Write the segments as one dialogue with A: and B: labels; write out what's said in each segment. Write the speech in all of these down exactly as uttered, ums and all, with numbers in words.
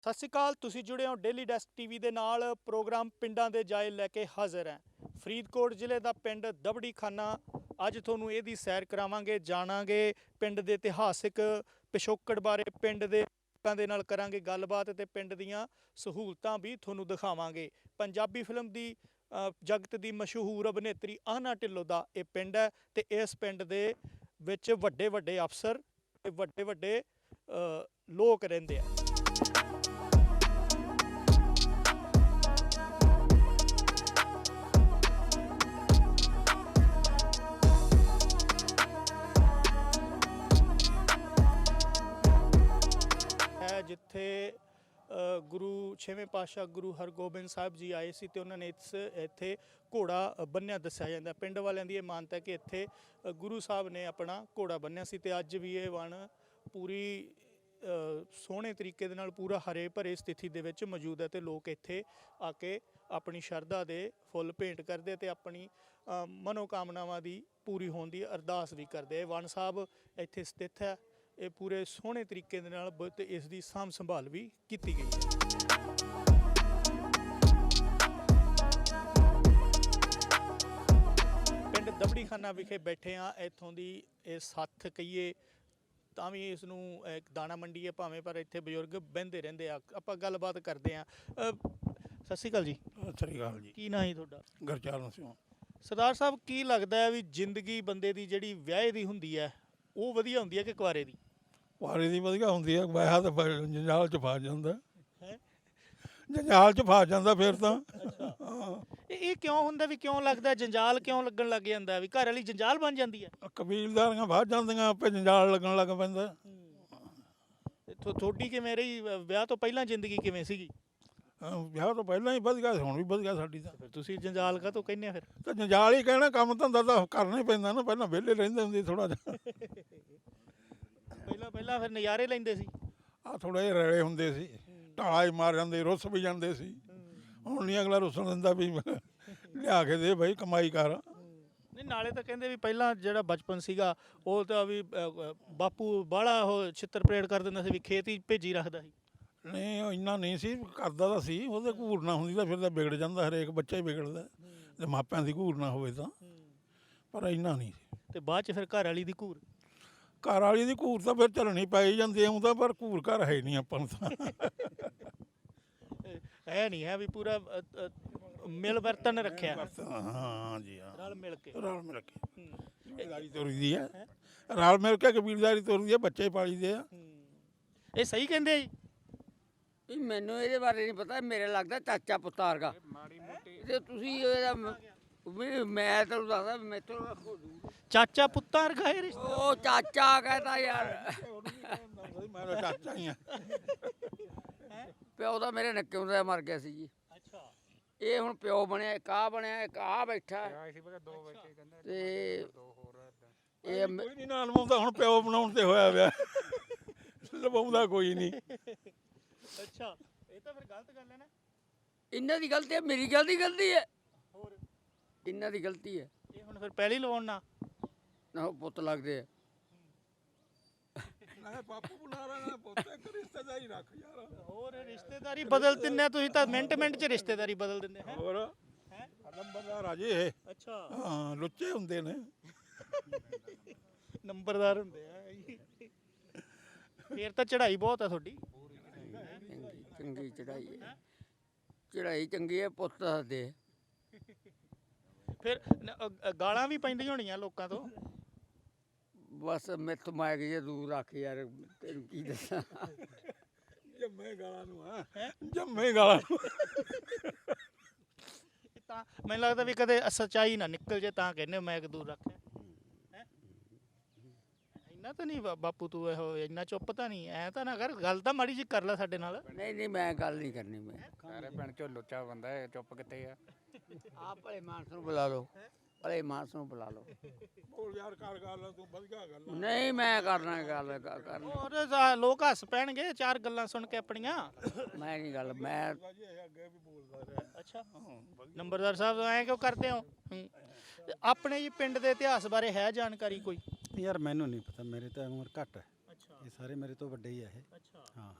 A: ਸਤਿ ਸ਼੍ਰੀ ਅਕਾਲ। ਤੁਸੀਂ ਜੁੜੇ ਹੋ ਡੇਲੀ ਡੈਸਕ ਟੀਵੀ ਦੇ ਨਾਲ। ਪ੍ਰੋਗਰਾਮ ਪਿੰਡਾਂ ਦੇ ਜਾਇ ਲੈ ਕੇ ਹਾਜ਼ਰ ਹੈ। ਫਰੀਦਕੋਟ ਜ਼ਿਲ੍ਹੇ ਦਾ ਪਿੰਡ ਦਬੜੀ ਖਾਨਾ। ਅੱਜ ਤੁਹਾਨੂੰ ਇਹਦੀ ਸੈਰ ਕਰਾਵਾਂਗੇ, ਜਾਣਾਂਗੇ ਪਿੰਡ ਦੇ ਇਤਿਹਾਸਿਕ ਪਿਛੋਕੜ ਬਾਰੇ, ਪਿੰਡ ਦੇ ਲੋਕਾਂ ਦੇ ਨਾਲ ਕਰਾਂਗੇ ਗੱਲਬਾਤ ਤੇ ਪਿੰਡ ਦੀਆਂ ਸਹੂਲਤਾਂ ਵੀ ਤੁਹਾਨੂੰ ਦਿਖਾਵਾਂਗੇ। ਪੰਜਾਬੀ ਫਿਲਮ ਦੀ ਜਗਤ ਦੀ ਮਸ਼ਹੂਰ ਅਭਿਨੇਤਰੀ ਆਹਨਾ ਢਿੱਲੋਂ ਦਾ ਇਹ ਪਿੰਡ ਹੈ ਤੇ ਇਸ ਪਿੰਡ ਦੇ ਵਿੱਚ ਵੱਡੇ ਵੱਡੇ ਅਫਸਰ ਤੇ ਵੱਡੇ ਵੱਡੇ ਲੋਕ ਰਹਿੰਦੇ ਆ। ਜਿੱਥੇ ਗੁਰੂ ਛੇਵੇਂ ਪਾਤਸ਼ਾਹ ਗੁਰੂ ਹਰਗੋਬਿੰਦ ਸਾਹਿਬ ਜੀ ਆਏ ਸੀ ਤੇ ਉਹਨਾਂ ਨੇ ਇਸ ਇੱਥੇ ਘੋੜਾ ਬੰਨਿਆ ਦੱਸਿਆ ਜਾਂਦਾ। ਪਿੰਡ ਵਾਲਿਆਂ ਦੀ ਇਹ ਮਾਨਤਾ ਕਿ ਇੱਥੇ ਗੁਰੂ ਸਾਹਿਬ ਨੇ ਆਪਣਾ ਘੋੜਾ ਬੰਨਿਆ ਸੀ ਤੇ ਅੱਜ ਵੀ ਇਹ ਵਣ ਪੂਰੀ ਸੋਹਣੇ ਤਰੀਕੇ ਦੇ ਨਾਲ ਪੂਰਾ ਹਰੇ ਭਰੇ ਸਥਿਤੀ ਦੇ ਵਿੱਚ ਮੌਜੂਦ ਹੈ ਤੇ ਲੋਕ ਇੱਥੇ ਆ ਕੇ ਆਪਣੀ ਸ਼ਰਧਾ ਦੇ ਫੁੱਲ ਭੇਂਟ ਕਰਦੇ ਤੇ ਆਪਣੀ ਮਨੋਕਾਮਨਾਵਾਂ ਦੀ ਪੂਰੀ ਹੋਣ ਦੀ ਅਰਦਾਸ ਵੀ ਕਰਦੇ। ਵਣ ਸਾਹਿਬ ਇੱਥੇ ਸਥਿਤ ਹੈ। ਇਹ ਪੂਰੇ ਸੋਹਣੇ ਤਰੀਕੇ ਦੇ ਨਾਲ ਤੇ ਇਸ ਦੀ ਸਾਂਭ ਸੰਭਾਲ ਵੀ ਕੀਤੀ ਗਈ ਹੈ। ਪਿੰਡ ਦਬੜੀ ਖਾਨਾ ਵਿਖੇ ਬੈਠੇ ਆ। ਇੱਥੋਂ ਦੀ ਇਹ ਸੱਥ ਕਹੀਏ ਤਾਂ ਵੀ ਇਸ ਨੂੰ ਇੱਕ ਦਾਣਾ ਮੰਡੀ ਹੈ ਭਾਵੇਂ, ਪਰ ਇੱਥੇ ਬਜ਼ੁਰਗ ਬਹਿੰਦੇ ਰਹਿੰਦੇ ਆ। ਆਪਾਂ ਗੱਲਬਾਤ ਕਰਦੇ ਆ। ਸਤਿ ਸ਼੍ਰੀ ਅਕਾਲ ਜੀ।
B: ਸਤਿ ਸ਼੍ਰੀ ਅਕਾਲ ਜੀ।
A: ਕੀ ਨਾਂ ਹੈ ਤੁਹਾਡਾ?
B: ਗੁਰਚਰਨ ਸਿੰਘ।
A: ਸਰਦਾਰ ਸਾਹਿਬ, ਕੀ ਲੱਗਦਾ ਹੈ ਵੀ ਜ਼ਿੰਦਗੀ ਬੰਦੇ ਦੀ ਜਿਹੜੀ ਵਿਆਹੇ ਦੀ ਹੁੰਦੀ ਹੈ ਉਹ ਵਧੀਆ ਹੁੰਦੀ ਹੈ ਕਿ ਕੁਆਰੇ ਦੀ?
B: ਕੁਆਰੇ ਦੀ ਵਧੀਆ ਹੁੰਦੀ ਹੈ। ਵਿਆਹ ਤਾਂ ਜੰਜਾਲ 'ਚ ਫਸ ਜਾਂਦਾ, ਜੰਜਾਲ 'ਚ ਫਸ ਜਾਂਦਾ ਫਿਰ ਤਾਂ।
A: ਇਹ ਕਿਉਂ ਹੁੰਦਾ ਵੀ ਕਿਉਂ ਲੱਗਦਾ ਜੰਜਾਲ ਕਿਉਂ ਲੱਗਣ ਲੱਗ ਜਾਂਦਾ ਵੀ ਘਰ ਵਾਲੀ ਜੰਜਾਲ ਬਣ ਜਾਂਦੀ ਹੈ?
B: ਕਬੀਲਦਾਰੀਆਂ ਫਸ ਜਾਂਦੀਆਂ, ਆਪੇ ਜੰਜਾਲ ਲੱਗਣ ਲੱਗ ਪੈਂਦਾ।
A: ਤੁਹਾਡੀ ਕਿਵੇਂ ਰਹੀ ਵਿਆਹ ਤੋਂ ਪਹਿਲਾਂ ਜ਼ਿੰਦਗੀ ਕਿਵੇਂ ਸੀਗੀ?
B: ਵਿਆਹ ਤੋਂ ਪਹਿਲਾਂ ਹੀ ਵਧੀਆ, ਹੁਣ ਵੀ ਵਧੀਆ ਸਾਡੀ ਤਾਂ।
A: ਫਿਰ ਤੁਸੀਂ ਜੰਜਾਲ ਕਾ ਤੋਂ ਕਹਿੰਦੇ ਆ? ਫਿਰ
B: ਤਾਂ ਜੰਜਾਲ ਹੀ ਕਹਿਣਾ, ਕੰਮ ਧੰਦਾ ਤਾਂ ਕਰਨਾ ਹੀ ਪੈਂਦਾ ਨਾ। ਪਹਿਲਾਂ ਵਿਹਲੇ ਰਹਿੰਦੇ ਹੁੰਦੇ ਥੋੜਾ ਜਿਹਾ।
A: ਪਹਿਲਾਂ ਪਹਿਲਾਂ ਫਿਰ ਨਜ਼ਾਰੇ ਲੈਂਦੇ ਸੀ।
B: ਆਹ ਥੋੜਾ ਜਿਹੇ ਰਲੇ ਹੁੰਦੇ ਸੀ, ਢਾਲਾ ਹੀ ਮਾਰ ਜਾਂਦੇ, ਰੁੱਸ ਵੀ ਜਾਂਦੇ ਸੀ। ਹੁਣ ਨਹੀਂ ਅਗਲਾ ਰੁੱਸਣ ਦਿੰਦਾ ਵੀ ਲਿਆ ਕੇ ਦੇ ਬਈ, ਕਮਾਈ ਕਰ।
A: ਨਹੀਂ, ਨਾਲੇ ਤਾਂ ਕਹਿੰਦੇ ਵੀ ਪਹਿਲਾਂ ਜਿਹੜਾ ਬਚਪਨ ਸੀਗਾ ਉਹ ਤਾਂ ਵੀ ਬਾਪੂ ਬਾਹਲਾ ਉਹ ਛਿੱਤਰ ਪਰੇਡ ਕਰ ਦਿੰਦਾ ਸੀ ਵੀ ਖੇਤ ਹੀ ਭੇਜੀ ਰੱਖਦਾ ਸੀ।
B: ਨਹੀਂ, ਉਹ ਇੰਨਾ ਨਹੀਂ ਸੀ ਕਰਦਾ ਤਾਂ ਸੀ। ਉਹਦੇ ਘੂਰ ਨਾ ਹੁੰਦੀ ਤਾਂ ਫਿਰ ਤਾਂ ਵਿਗੜ ਜਾਂਦਾ, ਹਰੇਕ ਬੱਚਾ ਹੀ ਵਿਗੜਦਾ ਜੇ ਮਾਪਿਆਂ ਦੀ ਘੂਰ ਨਾ ਹੋਵੇ ਤਾਂ। ਪਰ ਇੰਨਾ ਨਹੀਂ ਸੀ।
A: ਤੇ ਬਾਅਦ 'ਚ ਫਿਰ ਘਰ ਵਾਲੀ ਦੀ ਘੂਰ?
B: ਘਰ ਵਾਲੀ ਦੀ ਘੂਰ ਤਾਂ ਫਿਰ ਝੱਲਣੀ ਪੈ ਜਾਂਦੀ ਆਉਂਦਾ, ਪਰ ਘੂਰ ਘਰ ਹੈ ਨਹੀਂ ਆਪਾਂ ਨੂੰ ਤਾਂ।
A: ਹੈ ਨਹੀਂ ਹੈ ਵੀ ਪੂਰਾ ਮਿਲ ਵਰਤਨ ਰੱਖਿਆ।
B: ਹਾਂ ਜੀ, ਹਾਂ,
A: ਰਲ ਮਿਲ ਕੇ।
B: ਰਲ ਮਿਲ ਕੇ ਕਬੀਲਦਾਰੀ ਤੋਰੀ ਦੀ ਹੈ। ਰਲ ਮਿਲ ਕੇ ਕਬੀਲਦਾਰੀ ਤੋਰੀ ਹੈ, ਬੱਚੇ ਪਾਲੀ ਦੇ ਆ।
A: ਇਹ ਸਹੀ ਕਹਿੰਦੇ ਆ ਜੀ?
C: ਮੈਨੂੰ ਇਹਦੇ ਬਾਰੇ ਨਹੀਂ ਪਤਾ। ਮੇਰੇ ਲੱਗਦਾ ਚਾਚਾ ਪੁੱਤਾਰ ਦਾ ਤੇ ਤੁਸੀਂ ਇਹਦਾ ਮੈਂ ਤੁਹਾਨੂੰ ਦੱਸਦਾ ਮੈਥੋਂ
A: ਚਾਚਾ ਪੁੱਤਾਂ ਵਰਗਾ ਇਹ ਰਿਸ਼ਤਾ?
C: ਉਹ ਚਾਚਾ ਕਹਿੰਦਾ ਯਾਰ,
B: ਮੈਂ ਚਾਚਾ ਹੀ ਆ।
C: ਪਿਓ ਦਾ ਮੇਰੇ ਨੱਕੇ ਹੁੰਦਾ ਮਰ ਗਿਆ ਸੀ ਜੀ।
A: ਅੱਛਾ।
C: ਇਹ ਹੁਣ ਪਿਓ ਬਣਿਆ, ਇੱਕ ਆ ਬਣਿਆ, ਇੱਕ ਆ ਬੈਠਾ ਤੇ ਇਹ
B: ਕੋਈ ਨਹੀਂ ਨਾ ਲਵਾਉਂਦਾ, ਹੁਣ ਪਿਓ ਬਣਾਉਣ ਤੇ ਹੋਇਆ ਪਿਆ। ਲਵਾਉਂਦਾ ਕੋਈ ਨਹੀਂ।
A: ਅੱਛਾ, ਇਹ ਤਾਂ ਫਿਰ ਗਲਤ ਗੱਲ ਹੈ ਨਾ।
C: ਇਹਨਾਂ ਦੀ ਗਲਤੀ ਹੈ, ਮੇਰੀ ਗਲਤੀ ਗਲਤੀ ਹੈ?
A: ਹੋਰ
C: ਇਹਨਾਂ ਦੀ ਗਲਤੀ ਹੈ।
A: ਇਹ ਹੁਣ ਫਿਰ ਪਹਿਲੀ ਲਵਾਉਣ ਨਾ
C: ਨਾ ਪੁੱਤ ਲੱਗਦੇ ਆ।
B: ਬਾਪੂ ਬਣਾ ਰਹਾ ਪੁੱਤ, ਇੱਕ ਰਿਸ਼ਤੇਦਾਰੀ ਰੱਖ ਯਾਰ।
A: ਹੋਰ ਰਿਸ਼ਤੇਦਾਰੀ ਬਦਲ ਦਿੰਦੇ ਤੁਸੀਂ ਤਾਂ, ਮਿੰਟ ਮਿੰਟ 'ਚ ਰਿਸ਼ਤੇਦਾਰੀ ਬਦਲ ਦਿੰਦੇ ਹੈ।
B: ਹੋਰ
A: ਹੈ
B: ਨੰਬਰਦਾਰ ਆ ਜੀ ਇਹ।
A: ਅੱਛਾ।
B: ਹਾਂ, ਲੁੱਚੇ ਹੁੰਦੇ ਨੇ,
A: ਨੰਬਰਦਾਰ ਹੁੰਦੇ ਆ। ਫੇਰ ਤਾਂ ਚੜ੍ਹਾਈ ਬਹੁਤ ਆ ਤੁਹਾਡੀ।
C: ਚੰਗੀ ਚੜਾਈ ਹੈ, ਚੜਾਈ ਚੰਗੀ ਹੈ। ਪੁੱਤ ਦੱਸਦੇ
A: ਫਿਰ ਗਾਲਾਂ ਵੀ ਪੈਂਦੀਆਂ ਹੋਣੀਆਂ ਲੋਕਾਂ ਤੋਂ?
C: ਬਸ ਮੈਥ ਮਾਇਕ ਜੇ ਦੂਰ ਰੱਖ ਯਾਰ, ਤੈਨੂੰ ਕੀ ਦੱਸਾਂ।
B: ਜੰਮੇ ਗਾਲਾਂ ਨੂੰ ਆ, ਜੰਮੇ ਗਾਲਾਂ ਨੂੰ।
A: ਤਾਂ ਮੈਨੂੰ ਲੱਗਦਾ ਵੀ ਕਦੇ ਸੱਚਾਈ ਨਾ ਨਿਕਲ ਜੇ ਤਾਂ ਕਹਿੰਦੇ ਮਾਇਕ ਦੂਰ ਰੱਖਿਆ। ਇੰਨਾ ਤਾਂ ਨਹੀਂ ਬਾਪੂ ਤੂੰ ਇਹੋ ਇੰਨਾ ਚੁੱਪ ਤਾਂ ਨਹੀਂ, ਐ ਤਾਂ ਨਾ ਕਰ, ਗੱਲ ਤਾਂ ਮਾੜੀ ਜੀ ਕਰ ਲੈ ਸਾਡੇ ਨਾਲ।
C: ਨਹੀਂ ਨਹੀਂ, ਮੈਂ ਗੱਲ ਨਹੀਂ ਕਰਨੀ। ਮੈਂ
D: ਸਾਰੇ ਪਿੰਡ ਚੋਂ ਲੁੱਚਾ ਬੰਦਾ ਹੈ, ਚੁੱਪ ਕਿੱਥੇ ਆ?
C: ਆਹ ਭਲੇ ਮਾਨਸ ਨੂੰ ਬੁਲਾ ਲਓ, ਭਲੇ ਮਾਨਸ ਨੂੰ ਬੁਲਾ ਲਓ।
B: ਬੋਲ ਯਾਰ, ਕਰ ਗੱਲ ਤੂੰ, ਵਧੀਆ ਗੱਲ।
C: ਨਹੀਂ, ਮੈਂ ਕਰਨਾ ਗੱਲ ਕਰਨੀ।
A: ਹੋਰ ਲੋਕ ਹੱਸ ਪੈਣਗੇ ਚਾਰ ਗੱਲਾਂ ਸੁਣ ਕੇ ਆਪਣੀਆਂ।
C: ਮੈਂ ਨਹੀਂ ਗੱਲ, ਮੈਂ
B: ਅੱਗੇ ਵੀ ਬੋਲਦਾ ਰਿਹਾ।
A: ਅੱਛਾ, ਨੰਬਰਦਾਰ ਸਾਹਿਬ ਐਂ ਕਿਉਂ ਕਰਦੇ ਹੋ? ਆਪਣੇ ਜੀ ਪਿੰਡ ਦੇ ਇਤਿਹਾਸ ਬਾਰੇ ਹੈ ਜਾਣਕਾਰੀ ਕੋਈ?
E: ਯਾਰ ਮੈਨੂੰ ਨਹੀਂ ਪਤਾ, ਮੇਰੇ ਤਾਂ ਉਮਰ ਘੱਟ ਹੈ।
A: ਅੱਛਾ।
E: ਇਹ ਸਾਰੇ ਮੇਰੇ ਤੋਂ ਵੱਡੇ ਹੀ ਆ ਇਹ।
A: ਅੱਛਾ।
E: ਹਾਂ ਹਾਂ।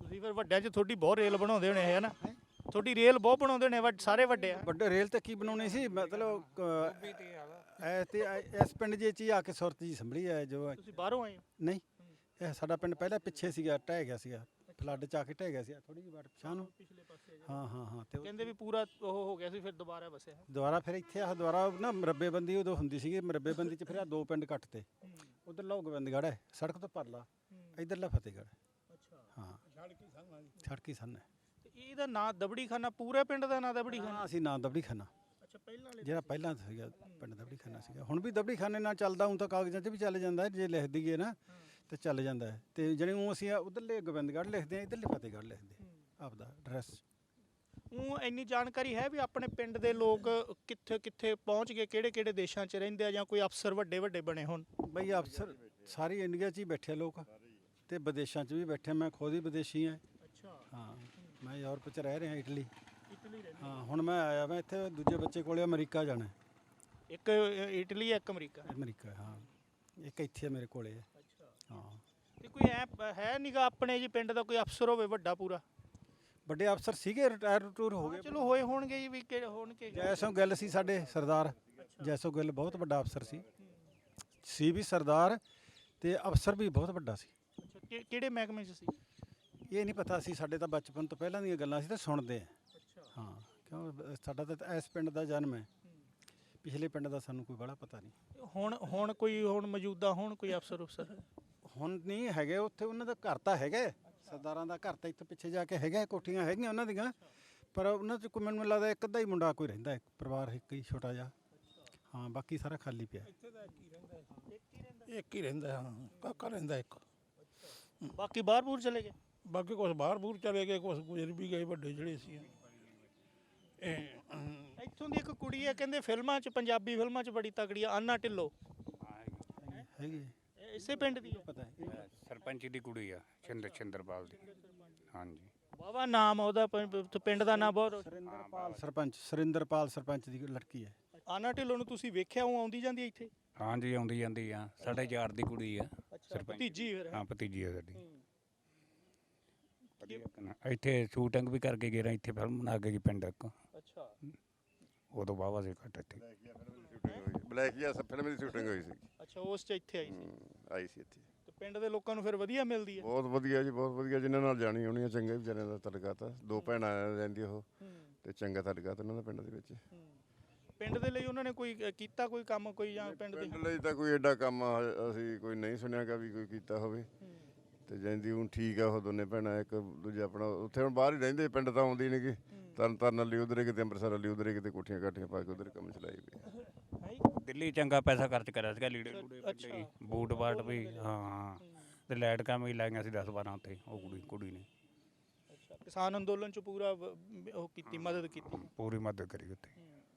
A: ਤੁਸੀਂ ਫਿਰ ਵੱਡਿਆਂ 'ਚ ਤੁਹਾਡੀ ਬਹੁਤ ਰੇਲ ਬਣਾਉਂਦੇ ਹੋਣੇ ਹੈ ਨਾ, ਤੁਹਾਡੀ ਰੇਲ ਬਹੁਤ ਬਣਾਉਂਦੇ ਨੇ ਵੱਡ- ਸਾਰੇ ਵੱਡੇ ਆ।
E: ਵੱਡੇ ਰੇਲ ਤੇ ਕੀ ਬਣਾਉਣੀ ਸੀ ਮਤਲਬ ਕ- ਐ ਤੇ ਐ- ਇਸ ਪਿੰਡ ਜੇ ਚ ਹੀ ਆ ਕੇ ਸੁਰਤ ਜੀ ਸੰਭਲੀ ਹੈ ਜੋ
A: ਤੁਸੀਂ ਬਾਹਰੋਂ ਆਏ ਹੋ?
E: ਨਹੀਂ ਇਹ ਸਾਡਾ ਪਿੰਡ ਪਹਿਲਾਂ ਪਿੱਛੇ ਸੀਗਾ, ਢਹਿ ਗਿਆ ਸੀਗਾ, ਫਲੱਡ ਚ ਆ ਕੇ ਢਹਿ ਗਿਆ ਸੀ ਥੋੜੀ ਜਿਹੀ ਵਾਰ ਪਿਛਾਂ ਨੂੰ।
A: ਪਿਛਲੇ ਪਾਸੇ
E: ਹਾਂ ਹਾਂ ਹਾਂ ਤੇ ਉਹ
A: ਕਹਿੰਦੇ ਵੀ ਪੂਰਾ ਉਹ ਹੋ ਗਿਆ ਸੀ ਫਿਰ ਦੁਬਾਰਾ ਵਸਿਆ।
E: ਦੁਬਾਰਾ ਫਿਰ ਇੱਥੇ ਆ ਦੁਬਾਰਾ ਨਾ ਮਰੱਬੇਬੰਦੀ ਉਦੋਂ ਹੁੰਦੀ ਸੀਗੀ, ਮਰੱਬੇਬੰਦੀ ਚ ਫਿਰ ਆ ਦੋ ਪਿੰਡ ਕੱਟਤੇ। ਉਧਰਲਾ ਗੋਬਿੰਦਗੜ੍ਹ ਹੈ ਸੜਕ ਤੋਂ ਪਰਲਾ, ਇਧਰਲਾ ਫਤਿਹਗੜ੍ਹ।
A: ਅੱਛਾ,
E: ਹਾਂ ਸੜਕੀ ਸੰਨ ਹੈ।
A: ਤੇ ਇਹਦਾ ਨਾਂ ਦਬੜੀ ਖਾਨਾ, ਪੂਰੇ ਪਿੰਡ ਦਾ ਨਾਂ ਦਬੜੀ ਖਾਨਾ?
E: ਹਾਂ ਅਸੀਂ ਨਾਂ ਦਬੜੀ ਖਾਨਾ,
A: ਅੱਛਾ, ਪਹਿਲਾਂ ਵਾਲੇ
E: ਜਿਹੜਾ ਪਹਿਲਾਂ ਸੀਗਾ ਪਿੰਡ ਦਬੜੀ ਖਾਨਾ ਸੀਗਾ, ਹੁਣ ਵੀ ਦਬੜੀ ਖਾਨੇ ਨਾਲ ਚੱਲਦਾ, ਹੁਣ ਤਾਂ ਕਾਗਜ਼ਾਂ 'ਚ ਵੀ ਚੱਲ ਜਾਂਦਾ ਹੈ, ਜੇ ਲਿਖ ਦਈਏ ਨਾ ਤੇ ਚੱਲ ਜਾਂਦਾ ਹੈ। ਤੇ ਜਿਹੜੇ ਉਹ ਅਸੀਂ ਉਧਰਲੇ ਗੋਬਿੰਦਗੜ੍ਹ ਲਿਖਦੇ ਹਾਂ, ਇਧਰਲੇ ਫਤਿਹਗੜ੍ਹ ਲਿਖਦੇ ਹਾਂ ਆਪਦਾ ਐਡਰੈਸ।
A: ਉਹ ਇੰਨੀ ਜਾਣਕਾਰੀ ਹੈ ਵੀ ਆਪਣੇ ਪਿੰਡ ਦੇ ਲੋਕ ਕਿੱਥੇ ਕਿੱਥੇ ਪਹੁੰਚ ਗਏ, ਕਿਹੜੇ ਕਿਹੜੇ ਦੇਸ਼ਾਂ 'ਚ ਰਹਿੰਦੇ ਆ, ਜਾਂ ਕੋਈ ਅਫਸਰ ਵੱਡੇ ਵੱਡੇ ਬਣੇ ਹੋਣ?
E: ਬਈ ਅਫਸਰ ਸਾਰੀ ਇੰਡੀਆ 'ਚ ਹੀ ਬੈਠੇ ਲੋਕ ਤੇ ਵਿਦੇਸ਼ਾਂ 'ਚ ਵੀ ਬੈਠੇ, ਮੈਂ ਖੁਦ ਹੀ ਵਿਦੇਸ਼ੀ ਹਾਂ।
A: ਅੱਛਾ,
E: ਹਾਂ ਮੈਂ ਯੂਰਪ 'ਚ ਰਹਿ ਰਿਹਾ, ਇਟਲੀ।
A: ਇਟਲੀ ਰਹਿੰਦੇ?
E: ਹਾਂ ਹੁਣ ਮੈਂ ਆਇਆ ਮੈਂ ਇੱਥੇ ਦੂਜੇ ਬੱਚੇ ਕੋਲੇ ਅਮਰੀਕਾ ਜਾਣਾ ਹੈ।
A: ਇੱਕ ਇਟਲੀ, ਇੱਕ ਅਮਰੀਕਾ।
E: ਅਮਰੀਕਾ ਹਾਂ, ਇੱਕ ਇੱਥੇ ਮੇਰੇ ਕੋਲੇ ਹੈ।
A: ਅੱਛਾ,
E: ਹਾਂ
A: ਤੇ ਕੋਈ ਐ ਹੈ ਨੀਗਾ ਆਪਣੇ ਜੀ ਪਿੰਡ ਦਾ ਕੋਈ ਅਫਸਰ ਹੋਵੇ ਵੱਡਾ ਪੂਰਾ?
E: ਵੱਡੇ ਅਫਸਰ ਸੀਗੇ, ਰਿਟਾਇਰ ਟੂਰ ਹੋ ਗਏ।
A: ਚਲੋ ਹੋਏ ਹੋਣਗੇ ਜੀ, ਵੀ ਕਿ ਹੋਣਗੇ।
E: ਜੈਸੋ ਗਿੱਲ ਸੀ ਸਾਡੇ ਸਰਦਾਰ, ਜੈਸੋ ਗਿੱਲ ਬਹੁਤ ਵੱਡਾ ਅਫਸਰ ਸੀ ਸੀ ਵੀ ਸਰਦਾਰ ਤੇ ਅਫਸਰ ਵੀ ਬਹੁਤ ਵੱਡਾ ਸੀ।
A: ਅੱਛਾ, ਕਿ- ਕਿਹੜੇ ਮਹਿਕਮੇ 'ਚ ਸੀ?
E: ਇਹ ਨਹੀਂ ਪਤਾ ਸੀ, ਸਾਡੇ ਤਾਂ ਬਚਪਨ ਤੋਂ ਪਹਿਲਾਂ ਦੀਆਂ ਗੱਲਾਂ ਸੀ ਤਾਂ ਸੁਣਦੇ ਆ।
A: ਅੱਛਾ,
E: ਹਾਂ ਕਿਉਂ ਸਾਡਾ ਤਾਂ ਇਸ ਪਿੰਡ ਦਾ ਜਨਮ ਹੈ, ਪਿਛਲੇ ਪਿੰਡ ਦਾ ਸਾਨੂੰ ਕੋਈ ਬੜਾ ਪਤਾ ਨਹੀਂ।
A: ਹੁਣ ਹੁਣ ਕੋਈ ਹੁਣ ਮੌਜੂਦਾ ਹੁਣ ਕੋਈ ਅਫਸਰ ਅਫਸਰ?
E: ਹੁਣ ਨਹੀਂ ਹੈਗੇ ਉੱਥੇ, ਉਹਨਾਂ ਦਾ ਘਰ ਤਾਂ ਹੈਗਾ, ਸਰਦਾਰਾਂ ਦਾ ਘਰ ਤਾਂ ਇੱਥੇ ਪਿੱਛੇ ਜਾ ਕੇ ਹੈਗਾ, ਕੋਠੀਆਂ ਹੈਗੀਆਂ ਉਹਨਾਂ ਦੀਆਂ, ਪਰ ਉਹਨਾਂ 'ਚ ਕੋਈ ਮੈਨੂੰ ਲੱਗਦਾ ਇੱਕ ਅੱਧਾ ਹੀ ਮੁੰਡਾ ਕੋਈ ਰਹਿੰਦਾ, ਇੱਕ ਪਰਿਵਾਰ ਇੱਕ ਹੀ ਛੋਟਾ ਜਿਹਾ। ਹਾਂ ਬਾਕੀ ਸਾਰਾ ਖਾਲੀ ਪਿਆ।
B: ਇੱਕ ਹੀ ਰਹਿੰਦਾ, ਹਾਂ ਕਾਕਾ ਰਹਿੰਦਾ ਇੱਕ।
A: ਬਾਕੀ ਬਾਹਰ ਬੂਰ ਚਲੇ ਗਏ?
B: ਬਾਕੀ ਕੁਛ ਬਾਹਰ ਬੂਰ ਚਲੇ ਗਏ, ਕੁਛ ਗੁਜ਼ਰ ਵੀ ਗਏ ਵੱਡੇ ਜਿਹੜੇ ਸੀ। ਇਹ ਅਮ,
A: ਇੱਥੋਂ ਦੀ ਇੱਕ ਕੁੜੀ ਹੈ ਕਹਿੰਦੇ ਫਿਲਮਾਂ 'ਚ, ਪੰਜਾਬੀ ਫਿਲਮਾਂ 'ਚ ਬੜੀ ਤਕੜੀ ਆ, ਆਨਾ ਢਿੱਲੋਂ।
E: ਹੈਗੀ
A: ਇਹ ਇਸੇ ਪਿੰਡ ਦੀ ਹੈ?
E: ਪਤਾ ਹੈ
D: ਸਰਪੰਚ ਦੀ ਕੁੜੀ ਆ, ਛਿੰਦਰ ਛਿੰਦਰਪਾਲ ਦੀ। ਹਾਂਜੀ
A: ਵਾਹਵਾ ਨਾਮ ਆ ਉਹਦਾ, ਪਿੰ- ਤੇ ਪਿੰਡ ਦਾ ਨਾਮ ਬਹੁਤ।
E: ਸੁਰਿੰਦਰਪਾਲ ਸਰਪੰਚ, ਸੁਰਿੰਦਰਪਾਲ ਸਰਪੰਚ ਦੀ ਲੜਕੀ ਹੈ।
A: ਆਨਾ ਢਿੱਲੋਂ ਨੂੰ ਤੁਸੀਂ ਵੇਖਿਆ ਉਹ ਆਉਂਦੀ ਜਾਂਦੀ ਹੈ ਇੱਥੇ?
D: ਹਾਂਜੀ ਆਉਂਦੀ ਜਾਂਦੀ ਆ, ਸਾਡੇ ਯਾਰ ਦੀ ਕੁੜੀ ਆ।
A: ਅੱਛਾ, ਭਤੀਜੀ ਫਿਰ?
D: ਹਾਂ ਭਤੀਜੀ ਆ ਸਾਡੀ। ਇੱਥੇ ਸ਼ੂਟਿੰਗ ਵੀ ਕਰਕੇ ਗਏ ਰਾਂ, ਇੱਥੇ ਫਿਲਮ ਬਣਾ ਕੇ ਗਈ ਪਿੰਡ ਇੱਕ,
A: ਅੱਛਾ,
D: ਉਦੋਂ ਵਾਹਵਾ ਸੀ ਘੱਟ ਇੱਥੇ।
F: ਬਲੈਕੀਆ ਫਿਲਮ ਦੀ ਸ਼ੂਟਿੰਗ ਹੋਈ ਸੀ।
A: ਅੱਛਾ, ਉਸ 'ਚ ਇੱਥੇ ਆਈ ਸੀ।
F: ਹਮ, ਆਈ ਸੀ ਇੱਥੇ।
A: ਤੇ ਪਿੰਡ ਦੇ ਲੋਕਾਂ ਨੂੰ ਫਿਰ ਵਧੀਆ ਮਿਲਦੀ ਹੈ?
F: ਬਹੁਤ ਵਧੀਆ ਜੀ, ਬਹੁਤ ਵਧੀਆ, ਜਿਨ੍ਹਾਂ ਨਾਲ ਜਾਣੀ ਹੋਣੀ ਆ, ਚੰਗੇ ਵਿਚਾਰਿਆਂ ਦਾ ਤਲਕਾ ਆ। ਦੋ ਭੈਣਾਂ ਰਹਿੰਦੀ ਉਹ, ਤੇ ਚੰਗਾ ਤਲਕਾ ਉਹਨਾਂ ਦਾ ਪਿੰਡ ਦੇ ਵਿੱਚ।
A: ਪਿੰਡ ਦੇ ਲਈ ਉਹਨਾਂ ਨੇ ਕੋਈ ਅ, ਕੀਤਾ ਕੋਈ ਕੰਮ ਕੋਈ, ਜਾਂ ਪਿੰਡ ਦੇ?
F: ਪਿੰਡ ਲਈ ਤਾਂ ਕੋਈ ਐਡਾ ਕੰਮ ਹ- ਅਸੀਂ ਕੋਈ ਨਹੀਂ ਸੁਣਿਆਗਾ ਵੀ ਕੋਈ ਕੀਤਾ ਹੋਵੇ। ਤੇ ਜਾਂਦੀ ਹੁਣ ਠੀਕ ਆ, ਉਹ ਦੋਨੇ ਭੈਣਾਂ, ਇੱਕ ਦੂਜਾ ਆਪਣਾ ਉੱਥੇ ਹੁਣ ਬਾਹਰ ਹੀ ਰਹਿੰਦੇ, ਪਿੰਡ ਤਾਂ ਆਉਂਦੀ ਨਹੀਂ ਗੀ। ਤਰਨ ਤਾਰਨ ਵਾਲੀ ਉਧਰੇ ਕਿਤੇ, ਅੰਮ੍ਰਿਤਸਰ ਵਾਲੀ ਉਧਰੇ ਕਿਤੇ, ਕੋਠੀਆਂ ਕਾਠੀਆਂ ਪਾ ਕੇ ਉਧਰ ਕੰਮ ਚਲਾਈ ਵੀ।
D: ਦਿੱਲੀ ਚੰਗਾ ਪੈਸਾ ਖਰਚ ਕਰਿਆ ਸੀਗਾ, ਲੀੜੇ ਲੂੜੇ ਵੱਡੇ, ਬੂਟ ਬਾਟ ਵੀ। ਹਾਂ ਹਾਂ ਤੇ ਲਾਈਟ ਕੰਮ ਵੀ ਲਾਈਆਂ ਸੀ ਦਸ ਬਾਰਾਂ ਉੱਥੇ, ਉਹ ਕੁੜੀ ਕੁੜੀ ਨੇ
A: ਅੱਛਾ, ਕਿਸਾਨ ਅੰਦੋਲਨ 'ਚ ਪੂਰਾ ਵ- ਉਹ ਕੀਤੀ, ਮਦਦ ਕੀਤੀ।
D: ਪੂਰੀ ਮਦਦ ਕਰੀ ਉੱਥੇ।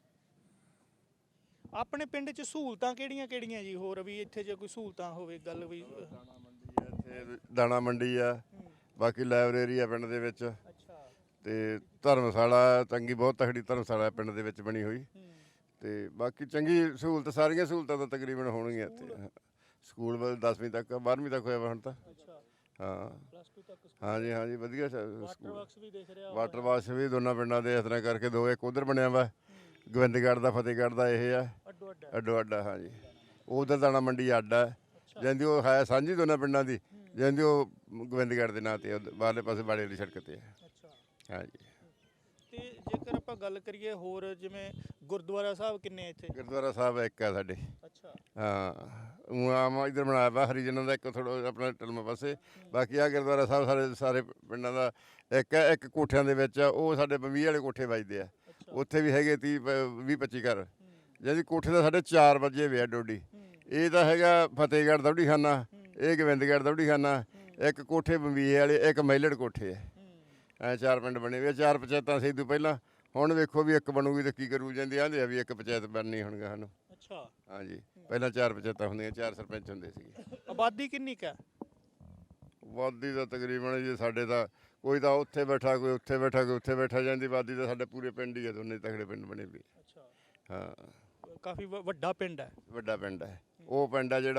A: ਆਪਣੇ ਪਿੰਡ 'ਚ ਸਹੂਲਤਾਂ ਕਿਹੜੀਆਂ ਕਿਹੜੀਆਂ ਜੀ ਹੋਰ ਵੀ, ਇੱਥੇ ਜੇ ਕੋਈ ਸਹੂਲਤਾਂ ਹੋਵੇ ਗੱਲ ਵੀ?
F: ਇੱਥੇ ਦਾਣਾ ਮੰਡੀ ਆ, ਬਾਕੀ ਲਾਇਬ੍ਰੇਰੀ ਆ ਪਿੰਡ ਦੇ ਵਿੱਚ,
A: ਅੱਛਾ,
F: ਤੇ ਧਰਮਸ਼ਾਲਾ ਚੰਗੀ, ਬਹੁਤ ਤਕੜੀ ਧਰਮਸ਼ਾਲਾ ਪਿੰਡ ਦੇ ਵਿੱਚ ਬਣੀ ਹੋਈ। ਤੇ ਬਾਕੀ ਚੰਗੀ ਸਹੂਲਤ, ਸਾਰੀਆਂ ਸਹੂਲਤਾਂ ਤਾਂ ਤਕਰੀਬਨ ਹੋਣਗੀਆਂ ਇੱਥੇ। ਸਕੂਲ ਵੱਲ ਦਸਵੀਂ ਤੱਕ, ਬਾਰ੍ਹਵੀਂ ਤੱਕ ਹੋਇਆ ਵਾ ਹੁਣ ਤਾਂ।
A: ਅੱਛਾ,
F: ਹਾਂ
A: ਪਲੱਸ ਟੂ ਤੱਕ
F: ਹਾਂਜੀ ਹਾਂਜੀ ਵਧੀਆ ਸ-
A: ਵਾਟਰ
F: ਸਕੂਲ।
A: ਵਰਕਸ ਵੀ ਦੇਖ ਰਿਹਾ
F: ਵਾਟਰ ਵਾਸ਼ ਵੀ ਦੋਨਾਂ ਪਿੰਡਾਂ ਦੇ ਇਸ ਤਰ੍ਹਾਂ ਕਰਕੇ ਦੋ, ਇੱਕ ਉਧਰ ਬਣਿਆ ਵਾ ਗੋਬਿੰਦਗੜ੍ਹ ਦਾ, ਫਤਿਹਗੜ੍ਹ ਦਾ ਇਹ ਆ
A: ਅੱਡੋ ਅੱਡ।
F: ਅੱਡੋ ਅੱਡਾ। ਹਾਂਜੀ ਉਧਰ ਦਾਣਾ ਮੰਡੀ ਅੱਡ ਆ, ਜਾਂਦੀ ਉਹ ਹੈ ਸਾਂਝੀ ਦੋਨਾਂ ਪਿੰਡਾਂ ਦੀ, ਜਾਂਦੀ ਉਹ ਗੋਬਿੰਦਗੜ੍ਹ ਦੇ ਨਾਂ ਤੇ ਆ, ਬਾਹਰਲੇ ਪਾਸੇ ਬਾੜੇ ਵਾਲੀ ਸੜਕ ਤੇ ਆ।
A: ਅੱਛਾ,
F: ਹਾਂਜੀ
A: ਤੇ ਜੇਕਰ ਆਪਾਂ ਗੱਲ ਕਰੀਏ ਹੋਰ, ਜਿਵੇਂ ਗੁਰਦੁਆਰਾ ਸਾਹਿਬ ਕਿੰਨੇ ਆ ਇੱਥੇ?
F: ਗੁਰਦੁਆਰਾ ਸਾਹਿਬ ਇੱਕ ਆ ਸਾਡੇ।
A: ਅੱਛਾ,
F: ਹਾਂ ਊਂ ਆਮ ਇੱਧਰ ਬਣਾਇਆ ਵਾ ਹਰੀਜਨਾਂ ਦਾ ਇੱਕ, ਥੋੜ੍ਹਾ ਆਪਣਾ ਟਲਮਾ ਪਾਸੇ। ਬਾਕੀ ਆ ਗੁਰਦੁਆਰਾ ਸਾਹਿਬ ਸਾਰੇ ਸਾਰੇ ਪਿੰਡਾਂ ਦਾ ਇੱਕ ਹੈ। ਇੱਕ ਕੋਠਿਆਂ ਦੇ ਵਿੱਚ ਆ, ਉਹ ਸਾਡੇ ਵੀਹ ਵਾਲੇ ਕੋਠੇ ਵੱਜਦੇ ਆ, ਉੱਥੇ ਵੀ ਹੈਗੇ ਤੀਹ ਵੀਹ ਪੱਚੀ ਘਰ। ਜਿਹਦੀ ਕੋਠੇ ਦਾ ਸਾਡੇ ਚਾਰ ਵਜੇ ਵੇ ਆ ਡੋਡੀ। ਇਹ ਤਾਂ ਹੈਗਾ ਫਤਿਹਗੜ੍ਹ ਦੌੜੀ ਖਾਨਾ, ਇਹ ਗੋਬਿੰਦਗੜ੍ਹ ਦੌੜੀ ਖਾਨਾ, ਇੱਕ ਕੋਠੇ ਬੰਬੀਏ ਵਾਲੇ, ਇੱਕ ਮਹਿਲੜ ਕੋਠੇ ਹੈ। ਐ ਚਾਰ ਪਿੰਡ ਬਣੇ ਹੋਏ, ਚਾਰ ਪੰਚਾਇਤਾਂ ਸੀ ਤੋਂ ਪਹਿਲਾਂ। ਹੁਣ ਵੇਖੋ ਵੀ ਇੱਕ ਬਣੂਗੀ ਤਾਂ ਕੀ ਕਰੂ, ਜਾਂਦੇ ਆਂਦੇ ਆ ਵੀ ਇੱਕ ਪੰਚਾਇਤ ਬਣਨੀ ਹੁਣ ਗਾ ਸਾਨੂੰ।
A: ਅੱਛਾ,
F: ਹਾਂਜੀ ਪਹਿਲਾਂ ਚਾਰ ਪੰਚਾਇਤਾਂ ਹੁੰਦੀਆਂ, ਚਾਰ ਸਰਪੰਚ ਹੁੰਦੇ ਸੀਗੇ।
A: ਆਬਾਦੀ ਕਿੰਨੀ ਕੁ ਹੈ?
F: ਵਾਦੀ ਦਾ ਤਕਰੀਬਨ ਜੀ ਸਾਡੇ ਤਾਂ ਕੋਈ ਤਾਂ ਉੱਥੇ ਬੈਠਾ, ਕੋਈ ਉੱਥੇ ਬੈਠਾ, ਕੋਈ ਉੱਥੇ ਬੈਠਾ, ਜਾਂਦੀ ਵਾਦੀ ਤਾਂ ਸਾਡੇ ਪੂਰੇ ਪਿੰਡ ਹੀ ਆ, ਦੋਨੇ ਤਕੜੇ ਪਿੰਡ ਬਣੇ ਵੀ।
A: ਅੱਛਾ,
F: ਹਾਂ
A: ਕਾਫੀ ਵ- ਵੱਡਾ ਪਿੰਡ ਹੈ।
F: ਵੱਡਾ ਪਿੰਡ ਹੈ। ਉਹ ਪਿੰਡ ਆ ਜਿਹੜਾ,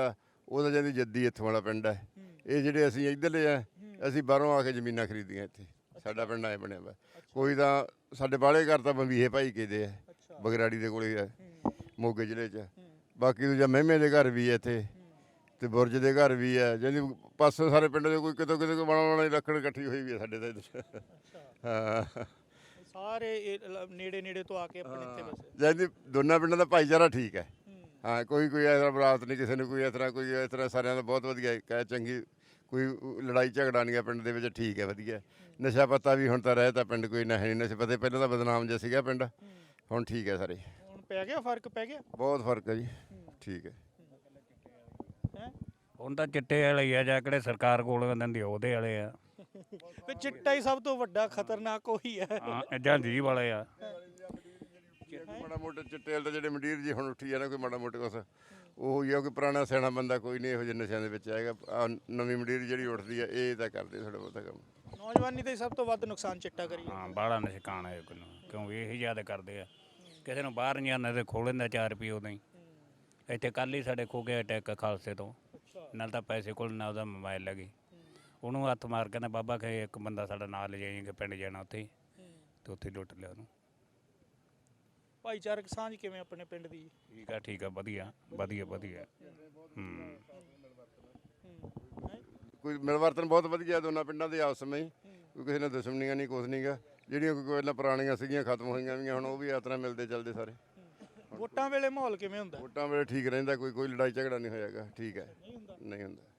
F: ਉਹਦਾ ਜਾਂਦੀ ਜੱਦੀ ਇੱਥੋਂ ਵਾਲਾ ਪਿੰਡ ਹੈ। ਇਹ ਜਿਹੜੇ ਅਸੀਂ ਇੱਧਰਲੇ ਆ, ਅਸੀਂ ਬਾਹਰੋਂ ਆ ਕੇ ਜ਼ਮੀਨਾਂ ਖਰੀਦੀਆਂ ਇੱਥੇ। ਸਾਡਾ ਪਿੰਡ ਐ ਬਣਿਆ ਵਾ। ਕੋਈ ਤਾਂ ਸਾਡੇ ਬਾਲੇ ਘਰ ਤਾਂ ਬੰਬੀਹੇ ਭਾਈ ਕੇ ਦੇ ਆ, ਬਗਰਾੜੀ ਦੇ ਕੋਲੇ ਆ, ਮੋਗੇ ਜ਼ਿਲ੍ਹੇ 'ਚ। ਬਾਕੀ ਦੂਜਾ ਮਹਿਮੇ ਦੇ ਘਰ ਵੀ ਹੈ ਇੱਥੇ, ਤੇ ਬੁਰਜ ਦੇ ਘਰ ਵੀ ਹੈ। ਜਾਂਦੀ ਪਾਸੇ ਸਾਰੇ ਪਿੰਡ ਦੇ ਕੋਈ ਕਿਤੋਂ ਕਿਤੇ ਕੋਈ ਬਣਾਉਣ ਵਾਲੀ ਲੱਕੜ ਇਕੱਠੀ ਹੋਈ ਵੀ ਹੈ ਸਾਡੇ ਤਾਂ ਇੱਧਰ। ਹਾਂ,
A: ਸਾਰੇ ਇਹ ਲ- ਨੇੜੇ ਨੇੜੇ ਤੋਂ ਆ ਕੇ ਆਪਣੇ ਇੱਥੇ ਵਸੇ।
F: ਜਾਂਦੀ ਦੋਨਾਂ ਪਿੰਡਾਂ ਦਾ ਭਾਈਚਾਰਾ ਠੀਕ ਹੈ। ਹਾਂ, ਕੋਈ ਕੋਈ ਇਸ ਤਰ੍ਹਾਂ ਬਰਾਤ ਨਹੀਂ ਕਿਸੇ ਨੂੰ, ਕੋਈ ਇਸ ਤਰ੍ਹਾਂ ਕੋਈ ਇਸ ਤਰ੍ਹਾਂ, ਸਾਰਿਆਂ ਦਾ ਬਹੁਤ ਵਧੀਆ ਇੱਕ ਹੈ, ਚੰਗੀ ਕੋਈ ਲੜਾਈ ਝਗੜਾ ਨਹੀਂ ਹੈ ਪਿੰਡ ਦੇ ਵਿੱਚ। ਠੀਕ ਹੈ, ਵਧੀਆ। ਨਸ਼ਾ ਪੱਤਾ ਵੀ ਹੁਣ ਤਾਂ ਰਹਿ ਤਾਂ ਪਿੰਡ ਕੋਈ ਨਾ ਹੈ ਨਹੀਂ। ਨਸ਼ੇ ਪੱਤੇ ਪਹਿਲਾਂ ਤਾਂ ਬਦਨਾਮ ਜਿਹਾ ਸੀਗਾ ਪਿੰਡ, ਹੁਣ ਠੀਕ ਹੈ ਸਾਰੇ।
A: ਹੁਣ ਪੈ ਗਿਆ ਫਰਕ, ਪੈ ਗਿਆ
F: ਬਹੁਤ ਫਰਕ ਹੈ ਜੀ, ਠੀਕ ਹੈ।
A: ਹੈ।
D: ਹੁਣ ਤਾਂ ਚਿੱਟੇ ਵਾਲੇ ਹੀ ਆ, ਜਾਂ ਕਿਹੜੇ ਸਰਕਾਰ ਕੋਲ ਦਿੰਦੀ ਆ, ਉਹਦੇ ਵਾਲੇ ਆ।
A: ਵੀ ਚਿੱਟਾ ਹੀ ਸਭ ਤੋਂ ਵੱਡਾ ਖਤਰਨਾਕ ਉਹੀ ਹੈ।
D: ਹਾਂ, ਜਾਂ ਜੀ ਵਾਲੇ ਆ।
F: ਮਾੜਾ ਮੋਟਾ ਚਿੱਟੇ ਵਾਲੇ ਤਾਂ ਜਿਹੜੇ ਮੰਡੀਰ ਜੀ ਹੁਣ ਉੱਠੀ ਆ ਨਾ, ਕੋਈ ਮਾੜਾ ਮੋਟਾ ਕੁਛ ਉਹ ਹੀ ਆ। ਕੋਈ ਪੁਰਾਣਾ ਸਿਆਣਾ ਬੰਦਾ ਕੋਈ ਨਹੀਂ ਇਹੋ ਜਿਹੇ ਨਸ਼ਿਆਂ ਦੇ ਵਿੱਚ ਆਏਗਾ। ਆਹ ਨਵੀਂ ਮੰਡੀਰ ਜਿਹੜੀ ਉੱਠਦੀ ਆ, ਇਹ ਤਾਂ ਕਰਦੇ ਥੋੜ੍ਹਾ ਬਹੁਤਾ ਕੰਮ।
A: ਨੌਜਵਾਨੀ ਤੇ ਸਭ ਤੋਂ ਵੱਧ ਨੁਕਸਾਨ ਚਿੱਟਾ ਕਰੀ
D: ਹਾਂ, ਬਾਹਲਾ ਨਸ਼ਕਾਨ ਹੈ ਕਿਉਂ, ਕਿਉਂ ਇਹੀ ਜ਼ਿਆਦਾ ਕਰਦੇ ਆ। ਕਿਸੇ ਨੂੰ ਬਾਹਰ ਨਹੀਂ ਆਉਂਦਾ ਤੇ ਖੋਹ ਲੈਂਦਾ ਚਾਰ ਰੁਪਏ ਉਦੋਂ ਹੀ। ਇੱਥੇ ਕੱਲ੍ਹ ਹੀ ਸਾਡੇ ਖੋ ਗਿਆ ਅਟੈਕ ਖਾਲਸੇ ਤੋਂ, ਨਾਲ ਤਾਂ ਪੈਸੇ ਕੋਲ ਨਾ ਉਹਦਾ ਮੋਬਾਈਲ ਲੱਗੀ। ਉਹਨੂੰ ਹੱਥ ਮਾਰ ਕਹਿੰਦਾ ਬਾਬਾ ਕਹੇ ਇੱਕ ਬੰਦਾ ਸਾਡਾ ਨਾਲ ਲੈ ਜਾਈਏ, ਪਿੰਡ ਜਾਣਾ ਉੱਥੇ, ਤੇ ਉੱਥੇ ਲੁੱਟ ਲਿਆ ਉਹਨੂੰ।
A: ਭਾਈਚਾਰਕ ਸਾਂਝ ਕਿਵੇਂ ਆਪਣੇ ਪਿੰਡ ਦੀ?
D: ਠੀਕ ਆ, ਠੀਕ ਆ, ਵਧੀਆ ਵਧੀਆ ਵਧੀਆ। ਹੂੰ,
F: ਕੋਈ ਮਿਲਵਰਤਨ ਬਹੁਤ ਵਧੀਆ ਦੋਨਾਂ ਪਿੰਡਾਂ ਦੇ ਆਪਸ ਵਿੱਚ। ਕੋਈ ਕਿਸੇ ਨਾਲ ਦੁਸ਼ਮਣੀਆਂ ਨਹੀਂ, ਕੁਛ ਨਹੀਂਗਾ। ਜਿਹੜੀਆਂ ਕੋਈ ਪਹਿਲਾਂ ਪੁਰਾਣੀਆਂ ਸੀਗੀਆਂ ਖਤਮ ਹੋਈਆਂ ਵੀ, ਹੁਣ ਉਹ ਵੀ ਇਸ ਤਰ੍ਹਾਂ ਮਿਲਦੇ ਚੱਲਦੇ ਸਾਰੇ।
A: ਵੋਟਾਂ ਵੇਲੇ ਮਾਹੌਲ ਕਿਵੇਂ ਹੁੰਦਾ?
F: ਵੋਟਾਂ ਵੇਲੇ ਠੀਕ ਰਹਿੰਦਾ, ਕੋਈ ਕੋਈ ਲੜਾਈ ਝਗੜਾ ਨਹੀਂ ਹੋਇਆਗਾ, ਠੀਕ ਹੈ, ਨਹੀਂ ਹੁੰਦਾ।